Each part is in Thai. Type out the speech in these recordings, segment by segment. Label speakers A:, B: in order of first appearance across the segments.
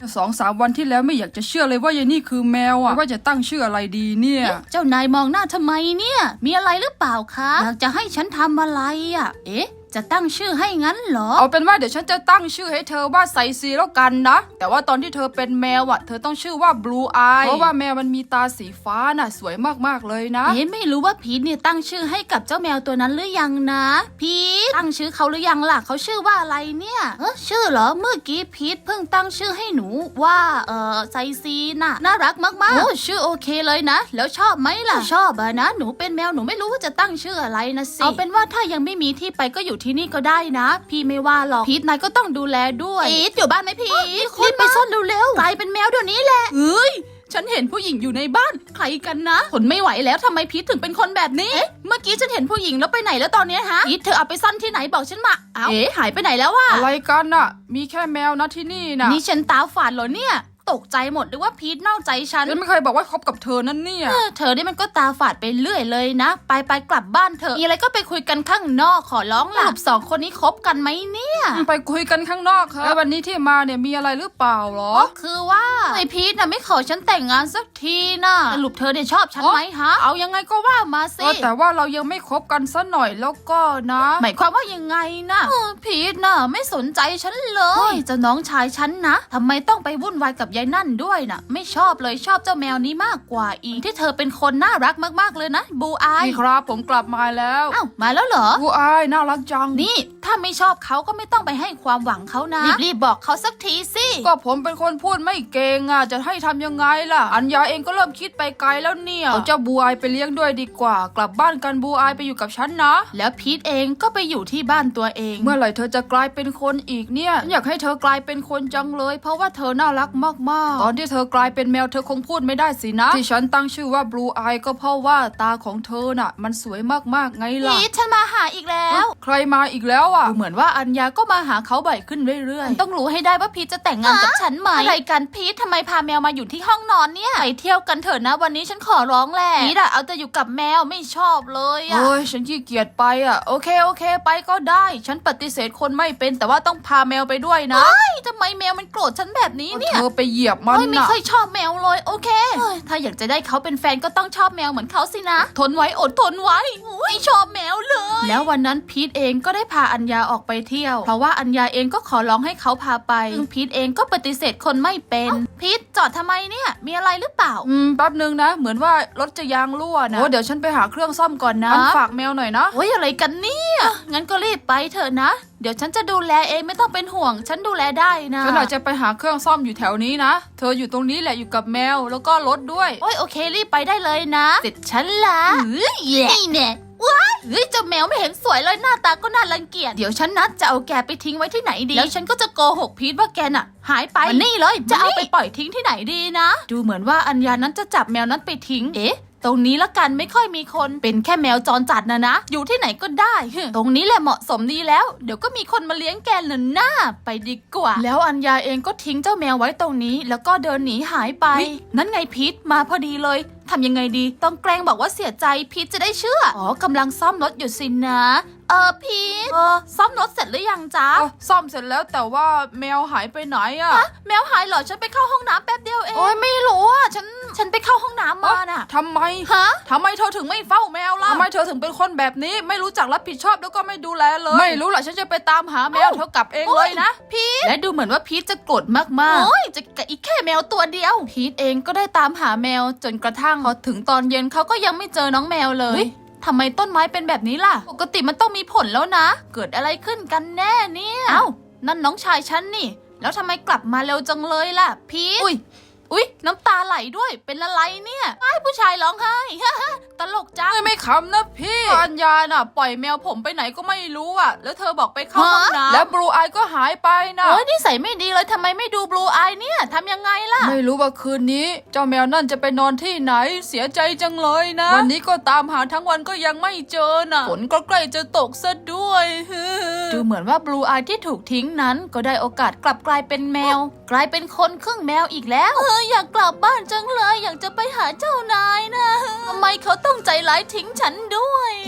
A: 2-3 วันที่แล้วไม่อยากจะเชื่อเลยว่ายายนี่คือแมวอะว่าจะตั้งชื่ออะไรดีเนี่ย
B: เจ้านายมองหน้าทำไมเนี่ยมีอะไรหรือเปล่าคะอยากจะให้ฉันทำอะไรอ่ะจะตั้งชื่อให้งั้นเหรอ
A: เอาเป็นว่าเดี๋ยวฉันจะตั้งชื่อให้เธอว่าไซซีแล้วกันนะแต่ว่าตอนที่เธอเป็นแมวอะเธอต้องชื่อว่า Blue Eye เพราะว่าแมวมันมีตาสีฟ้าน่ะสวยมากๆเลยนะ
B: ไม่รู้ว่าพีทเนี่ยตั้งชื่อให้กับเจ้าแมวตัวนั้นหรือยังนะพีทตั้งชื่อเขาหรือยังล่ะเขาชื่อว่าอะไรเนี่ยชื่อเหรอเมื่อกี้พีทเพิ่งตั้งชื่อให้หนูว่าไซซีน่ะน่ารักมากๆโอ้ชื่อโอเคเลยนะแล้วชอบไหมล่ะชอบอะนะหนูเป็นแมวหนูไม่รู้ว่าจะตั้งชื่ออะไรนะสิเอาเป็นว่าถ้ายังไม่มีที่ไปก็อยู่ที่นี่ก็ได้นะพี่ไม่ว่าหรอกพีทนายก็ต้องดูแลด้วยพีทอยู่บ้านไหมพีทรีบไปซ่อนเร็วๆกลายเป็นแมวเดี๋ยวนี้แหละฉันเห็นผู้หญิงอยู่ในบ้านใครกันนะทนไม่ไหวแล้วทำไมพีทถึงเป็นคนแบบนี้เมื่อกี้ฉันเห็นผู้หญิงแล้วไปไหนแล้วตอนนี้ฮะพีทเธอเอาไปซ่อนที่ไหนบอกฉันมาหายไปไหนแล้ววะ
A: อะไรกันน่ะมีแค่แมวนะที่นี่นะ
B: นี่ฉันตาฝาดเหรอเนี่ยตกใจหมดหรือว่าพีทนอกใจฉัน
A: ไม่เคยบอกว่าคบกับเธอนั่นเนี่ย
B: เธอนี่มันก็ตาฝาดไปเรื่อยเลยนะไปกลับบ้านเถอะมีอะไรก็ไปคุยกันข้างนอกขอร้องล่ะสองคนนี้คบกันไหมเนี่ย
A: ไปคุยกันข้างนอกครับแล้ววันนี้ที่มาเนี่ยมีอะไรหรือเปล่าหรอ
B: คือว่าไอพีทน่ะไม่ขอฉันแต่งงานสักทีน่ะสรุปเธอเนี่ยชอบฉันไหมฮะเอายังไงก็ว่ามาสิ
A: แต่ว่าเรายังไม่คบกันซะหน่อยแล้วก็นะ
B: หมายความว่ายังไงนะพีทน่ะไม่สนใจฉันเลยเจ้าน้องชายฉันนะทำไมต้องไปวุ่นวายกับยายนั่นด้วยนะไม่ชอบเลยชอบเจ้าแมวนี้มากกว่าอีกที่เธอเป็นคนน่ารักมากๆเลยนะบูอาย
A: นี่ครับผมกลับมาแล้ว
B: มาแล้วเหรอ
A: บูอายน่ารักจัง
B: นี่ถ้าไม่ชอบเขาก็ไม่ต้องไปให้ความหวังเขานะรีบบอกเขาสักทีสิ
A: ก็ผมเป็นคนพูดไม่เก่งอ่ะจะให้ทำยังไงล่ะอัญญาเองก็เริ่มคิดไปไกลแล้วเนี่ยเอาเจ้าบูอายไปเลี้ยงด้วยดีกว่ากลับบ้านกันบูอายไปอยู่กับฉันนะ
B: แล้วพีทเองก็ไปอยู่ที่บ้านตัวเอง
A: เมื่อไหร่เธอจะกลายเป็นคนอีกเนี่ยอยากให้เธอกลายเป็นคนจังเลยเพราะว่าเธอน่ารักมากๆตอนที่เธอกลายเป็นแมวเธอคงพูดไม่ได้สินะที่ฉันตั้งชื่อว่า Blue Eye ก็เพราะว่าตาของเธอน่ะมันสวยมากๆไงล่ะ
B: พีทฉันมาหาอีกแล้ว
A: ใครมาอีกแล้วอ่ะ
B: เหมือนว่าอัญญาก็มาหาเขาบ่อยขึ้นเรื่อยๆต้องรู้ให้ได้ว่าพีทจะแต่งงานกับฉันไหมอะไรกันพีททำไมพาแมวมาอยู่ที่ห้องนอนเนี่ยไปเที่ยวกันเถอะนะวันนี้ฉันขอร้องแหละพีทอะเอาแต่อยู่กับแมวไม่ชอบเลยอะ
A: โอ้ยฉันขี้เกียจไปอ่ะโอเคไปก็ได้ฉันปฏิเสธคนไม่เป็นแต่ว่าต้องพาแมวไปด้วยนะ
B: ทำไมแมวมันโกรธฉันแบบนี้เนี่ย
A: เธอไปเหยียบมันน่ะ
B: ไม่ค่อยชอบแมวเลยโอเคถ้าอยากจะได้เขาเป็นแฟนก็ต้องชอบแมวเหมือนเขาสินะทนไว้อดทนไว้ไม่ชอบแมวเลยแล้ววันนั้นพีทเองก็ได้พาอัญญาออกไปเที่ยวเพราะว่าอัญญาเองก็ขอร้องให้เขาพาไปพีทเองก็ปฏิเสธคนไม่เป็นพีทจอดทำไมเนี่ยมีอะไรหรือเปล่า
A: แป๊บนึงนะเหมือนว่ารถจะยางรั่วนะโอ้เดี๋ยวฉันไปหาเครื่องซ่อมก่อนนะฝากแมวหน่อยนะ
B: โอ้ยอะไรกันเนี่ยงั้นก็รีบไปเถอะนะเดี๋ยวฉันจะดูแลเองไม่ต้องเป็นห่วงฉันดูแลได้นะ
A: ฉันอาจจะไปหาเครื่องซ่อมอยู่แถวนี้นะเธออยู่ตรงนี้แหละอยู่กับแมวแล้วก็รถด้วย
B: โอเครีบไปได้เลยนะเสร็จฉันละนี่แน่ว้ายเจ้าแมวไม่เห็นสวยเลยหน้าตาก็น่ารังเกียจเดี๋ยวฉันนัดจะเอาแกไปทิ้งไว้ที่ไหนดีแล้วฉันก็จะโกหกพีทว่าแกน่ะหายไปนี่เลยจะเอาไปปล่อยทิ้งที่ไหนดีนะดูเหมือนว่าอัญญานั้นจะจับแมวนั้นไปทิ้งตรงนี้ละกันไม่ค่อยมีคนเป็นแค่แมวจรจัดนะอยู่ที่ไหนก็ได้ตรงนี้แหละเหมาะสมดีแล้วเดี๋ยวก็มีคนมาเลี้ยงแกหน้าไปดีกว่าแล้วอัญญาเองก็ทิ้งเจ้าแมวไว้ตรงนี้แล้วก็เดินหนีหายไปนั่นไงพีทมาพอดีเลยทำยังไงดีต้องแกล้งบอกว่าเสียใจพีทจะได้เชื่อกำลังซ่อมรถอยู่สินะพีทซ่อมรถเสร็จหรือยังจ๊ะ
A: ซ่อมเสร็จแล้วแต่ว่าแมวหายไปไหนอะ
B: แมวหายเหรอฉันไปเข้าห้องน้ำแป๊บเดียวเองโอ้ยไม่รู้อ่ะฉันไปเข้าห้องน้ำมาน่ะ
A: ทำไมทำไมเธอถึงไม่เฝ้าแมวล่ะทำไมเธอถึงเป็นคนแบบนี้ไม่รู้จักรับผิดชอบแล้วก็ไม่ดูแลเลยไม่รู้หรอกฉันจะไปตามหาแมวเธอกลับเองเลยนะ
B: พีทและดูเหมือนว่าพีทจะโกรธมากๆโอ้ยจะอีกแค่แมวตัวเดียวพีทเองก็ได้ตามหาแมวจนกระทั่งพอถึงตอนเย็นเขาก็ยังไม่เจอน้องแมวเลยทำไมต้นไม้เป็นแบบนี้ล่ะปกติมันต้องมีผลแล้วนะเกิดอะไรขึ้นกันแน่เนี่ยนั่นน้องชายฉันนี่แล้วทำไมกลับมาเร็วจังเลยล่ะพีทอุ๊ยน้ำตาไหลด้วยเป็นอะไรเนี่ยไอ้ผู้ชายร้องไห้ตลกจัง
A: ไม่ขำนะพี่อัญญาน่ะปล่อยแมวผมไปไหนก็ไม่รู้อ่ะแล้วเธอบอกไปเข้าห้องน้ำแล้วบลูอายก็หายไปนะ
B: นิสัยไม่ดีเลยทำไมไม่ดูบลูอายเนี่ยทำยังไงล่ะ
A: ไม่รู้ว่าคืนนี้เจ้าแมวนั่นจะไปนอนที่ไหนเสียใจจังเลยนะวันนี้ก็ตามหาทั้งวันก็ยังไม่เจอน่ะฝนก็ใกล้จะตกซะด้วย
B: ดูเหมือนว่าบลูอายที่ถูกทิ้งนั้นก็ได้โอกาสกลับกลายเป็นแมวกลายเป็นคนครึ่งแมวอีกแล้วอยากกลับบ้านจังเลยอยากจะไปหาเจ้านายนะทำไมเขาต้องใจร้ายทิ้งฉันด้วย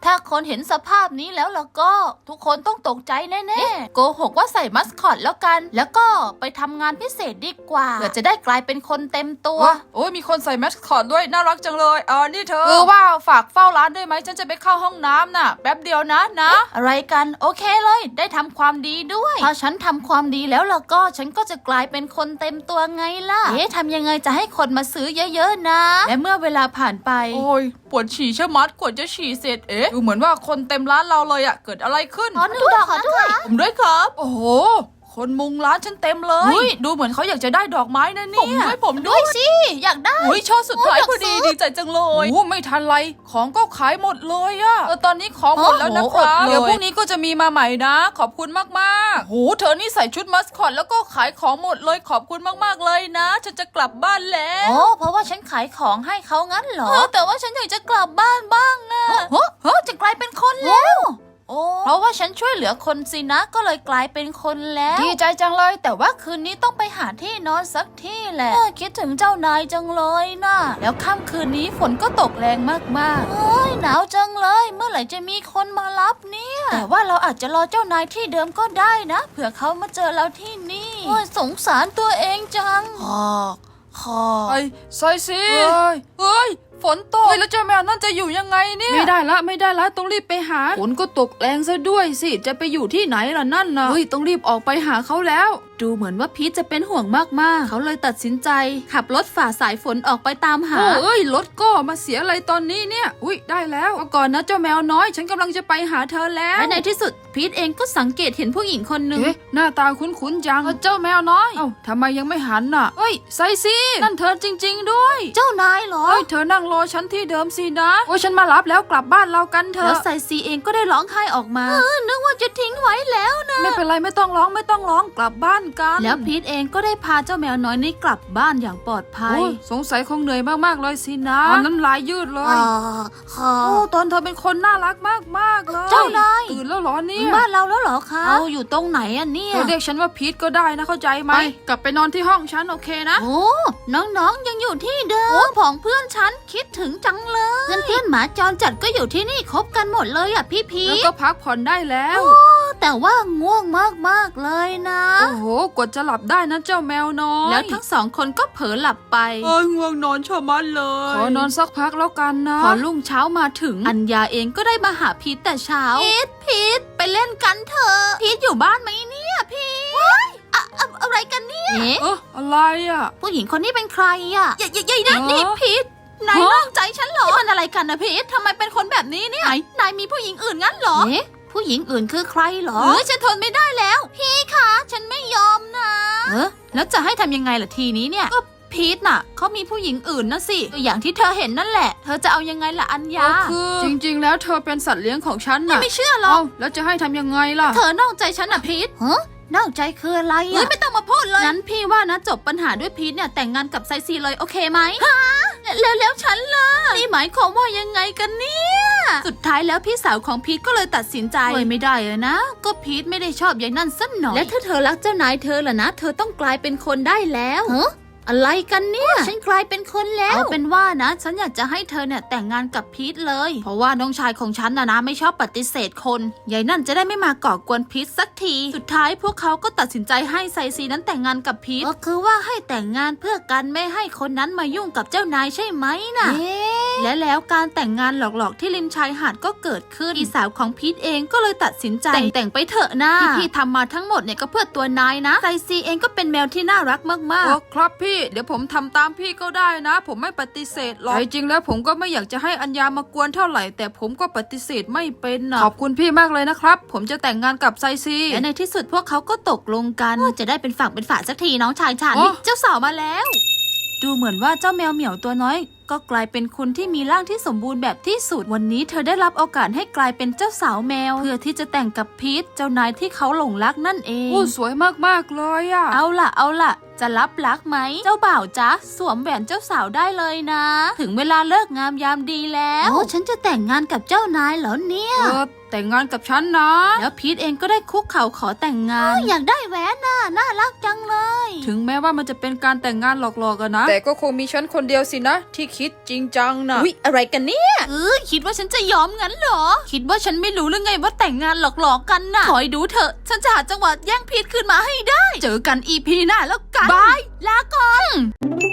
B: ถ้าคนเห็นสภาพนี้แล้วก็ทุกคนต้องตกใจแน่ๆโกหกว่าใส่มัสคอตแล้วกันแล้วก็ไปทำงานพิเศษดีกว่าเพื่อจะได้กลายเป็นคนเต็มตัว
A: โอ้ยมีคนใส่แมสคอตด้วยน่ารักจังเลยนี่เธอว่าฝากเฝ้าร้านได้ไหมฉันจะไปเข้าห้องน้ำน่ะแป๊บเดียวนะ
B: อะไรกันโอเคเลยได้ทำความดีด้วยพอฉันทำความดีแล้วก็ฉันก็จะกลายเป็นคนเต็มตัวไงล่ะทำยังไงจะให้คนมาซื้อเยอะๆนะและเมื่อเวลาผ่านไป
A: โอ้ยปวดฉี่ชะมัดกว่าจะฉี่เสร็จดูเหมือนว่าคนเต็มร้านเราเลยอะเกิดอะไรขึ้น
B: ขอด้วย
A: ผมด้วยครับโอ้โหคนมุงร้านฉันเต็มเลยดูเหมือนเขาอยากจะได้ดอกไม้นะเนี่ย
B: ผมด้วยสิอยากได้
A: ช่อสุดท้ายพอดีดีใจจังเลยไม่ทันไรของก็ขายหมดเลยอะตอนนี้ของหมดแล้วนะครับเดี๋ยวพรุ่งนี้ก็จะมีมาใหม่นะขอบคุณมากๆโหเธอนี่ใส่ชุดมัสคอตแล้วก็ขายของหมดเลยขอบคุณมากๆเลยนะฉันจะกลับบ้านแล้ว
B: เพราะว่าฉันขายของให้เขางั้นเหรอแต่ว่าฉันอยากจะกลับบ้านบ้างอะจะกลายเป็นคนแล้วเพราะว่าฉันช่วยเหลือคนสินะก็เลยกลายเป็นคนแล้ว
A: ดีใจจังเลย
B: แต่ว่าคืนนี้ต้องไปหาที่นอนสักที่แหละคิดถึงเจ้านายจังเลยนะแล้วค่ำคืนนี้ฝนก็ตกแรงมากๆหนาวจังเลยเมื่อไหร่จะมีคนมารับเนี่ยแต่ว่าเราอาจจะรอเจ้านายที่เดิมก็ได้นะเผื่อเขามาเจอเราที่นี่สงสารตัวเองจัง
A: ใส่สิเฮ้ยฝนตกแล้วเจ้าแมวนั่นจะอยู่ยังไงเนี่ยไม่ได้ละต้องรีบไปหาฝนก็ตกแรงซะด้วยสิจะไปอยู่ที่ไหนล่ะนั่นนะต้องรีบออกไปหาเขาแล้ว
B: ดูเหมือนว่าพีทจะเป็นห่วงมากๆเขาเลยตัดสินใจขับรถฝ่าสายฝนออกไปตามหาร
A: ถก็มาเสียอะไรตอนนี้เนี่ยได้แล้วก่อนนะเจ้าแมวน้อยฉันกำลังจะไปหาเธอแล้ว
B: และในที่สุดพีทเองก็สังเกตเห็นผู้หญิงคนหนึ่ง
A: หน้าตาคุ้นๆจังเจ้าแมวน้อยทำไมยังไม่หันน่ะไซซี่นั่นเธอจริงๆด้วย
B: เจ้านายเหรอ
A: เธอนั่งรอฉันที่เดิมสินะฉันมารับแล้วกลับบ้านเรากันเถอะ
B: แล้วไซซี่เองก็ได้ร้องไห้ออกมานึกว่าจะทิ้งไว้แล้วนะ
A: ไม่เป็นไรไม่ต้องร้องกลับบ้านกัน
B: แล้วพีทเองก็ได้พาเจ้าแมวน้อยนี้กลับบ้านอย่างปลอดภัย
A: สงสัยคงเหนื่อยมากๆเลยสินะน้ำลายยืดเลยตอนเธอเป็นคนน่ารักมากๆเลย
B: เจ้านาย
A: ตื่นแล้วหรอเนี่ย
B: บ้านเราแล้วหรอคะเราอยู่ตรงไหนเนี่ย
A: เรียกฉันว่าพีทก็ได้นะเข้าใจไหมกลับไปนอนที่ห้องฉันโอเคนะ
B: น้องๆยังอยู่ที่เดิมของเพื่อนฉันคิดถึงจังเลยเพื่อนหมาจรจัดก็อยู่ที่นี่คบกันหมดเลยพี่พี
A: แล้วก็พักผ่อนได้แล้ว
B: แต่ว่าง่วงมากๆเลยนะ
A: โอ้โหกดจะหลับได้นะเจ้าแมวน้อย
B: แล้วทั้งสองคนก็เผลอหลับไป
A: ง่วงนอนชะมัดเลยขอนอนสักพักแล้วกันนะ
B: พอรุ่งเช้ามาถึงอัญญาเองก็ได้มาหาพีทแต่เช้าพีทไปเล่นกันเถอะพีทอยู่บ้านไหมเนี่ยพีทอะไรกันเนี่ย
A: อะไร
B: ผู้หญิงคนนี้เป็นใครยัยนี่พีทนายนอกใจฉันเหรอมันอะไรกันนะพีททำไมเป็นคนแบบนี้เนี่ยนายมีผู้หญิงอื่นงั้นเหรอผู้หญิงอื่นคือใครเหรอฉันทนไม่ได้แล้วพี่คะฉันไม่ยอมนะแล้วจะให้ทำยังไงล่ะทีนี้เนี่ยก็พีทน่ะเขามีผู้หญิงอื่นนะสิอย่างที่เธอเห็นนั่นแหละเธอจะเอายังไงล่ะอัญญา
A: คือจริงๆแล้วเธอเป็นสัตว์เลี้ยงของฉันน่ะ
B: ไม่เชื่อหรอก
A: แล้วจะให้ทำยังไงล่ะ
B: เธอนอกใจฉันน่ะพีทนอกใจคืออะไรไม่ต้องมาพูดเลยงั้นพี่ว่านะจบปัญหาด้วยพีทเนี่ยแต่งงานกับไซซีเลยโอเคไหมแล้วฉันล่ะนี่หมายความว่ายังไงกันเนี่ยสุดท้ายแล้วพี่สาวของพีทก็เลยตัดสินใจไม่ได้เลยนะก็พีทไม่ได้ชอบอย่างนั้นสักหน่อยและถ้าเธอรักเจ้านายเธอล่ะนะเธอต้องกลายเป็นคนได้แล้วอะไรกันเนี่ยฉันกลายเป็นคนแล้วเอาเป็นว่านะฉันอยากจะให้เธอเนี่ยแต่งงานกับพีทเลยเพราะว่าน้องชายของฉันนะไม่ชอบปฏิเสธคนยายนั่นจะได้ไม่มาก่อกวนพีทสักทีสุดท้ายพวกเขาก็ตัดสินใจให้ไซซีนั้นแต่งงานกับพีทก็คือว่าให้แต่งงานเพื่อกันไม่ให้คนนั้นมายุ่งกับเจ้านายใช่ไหมนะและแล้วการแต่งงานหลอกๆที่ริมชายหาดก็เกิดขึ้นพี่สาวของพีทเองก็เลยตัดสินใจแต่งไปเถอะนะที่พี่ทำมาทั้งหมดเนี่ยก็เพื่อตัวนายนะไซซีเองก็เป็นแมวที่น่ารักมาก
A: ๆครับพี่เดี๋ยวผมทำตามพี่ก็ได้นะผมไม่ปฏิเสธหรอกจริงแล้วผมก็ไม่อยากจะให้อัญญามากวนเท่าไหร่แต่ผมก็ปฏิเสธไม่เป็นนะขอบคุณพี่มากเลยนะครับผมจะแต่งงานกับไซซี
B: และในที่สุดพวกเขาก็ตกลงกันจะได้เป็นฝั่งเป็นฝาสักทีน้องชายฉันเจ้าสาวมาแล้วดูเหมือนว่าเจ้าแมวเหมียวตัวน้อยก็กลายเป็นคนที่มีร่างที่สมบูรณ์แบบที่สุดวันนี้เธอได้รับโอกาสให้กลายเป็นเจ้าสาวแมวเพื่อที่จะแต่งกับพีทเจ้านายที่เขาหลงรักนั่นเอง
A: สวยมากๆเลย
B: เอาล่ะจะรับรักไหมเจ้าบ่าวจ๊ะสวมแหวนเจ้าสาวได้เลยนะถึงเวลาเลิกงามยามดีแล้วฉันจะแต่งงานกับเจ้านายเหรอเนี่ย
A: แต่งงานกับฉันนะ
B: แล้วพีทเองก็ได้คุกเข่าขอแต่งงานอยากได้แหวนน่ะน่ารักจังเลย
A: ถึงแม้ว่ามันจะเป็นการแต่งงานหลอกๆกันนะแต่ก็คงมีฉันคนเดียวสินะที่คิดจริงจังนะ
B: อุ๊ยอะไรกันเนี่ยคิดว่าฉันจะยอมงั้นเหรอคิดว่าฉันไม่รู้หรือไงว่าแต่งงานหลอกๆกันน่ะคอยดูเถอะฉันจะหาจังหวะแย่งพีทคืนมาให้ได้ เจอกัน EP หน้าแล้วกันบายลาก่อน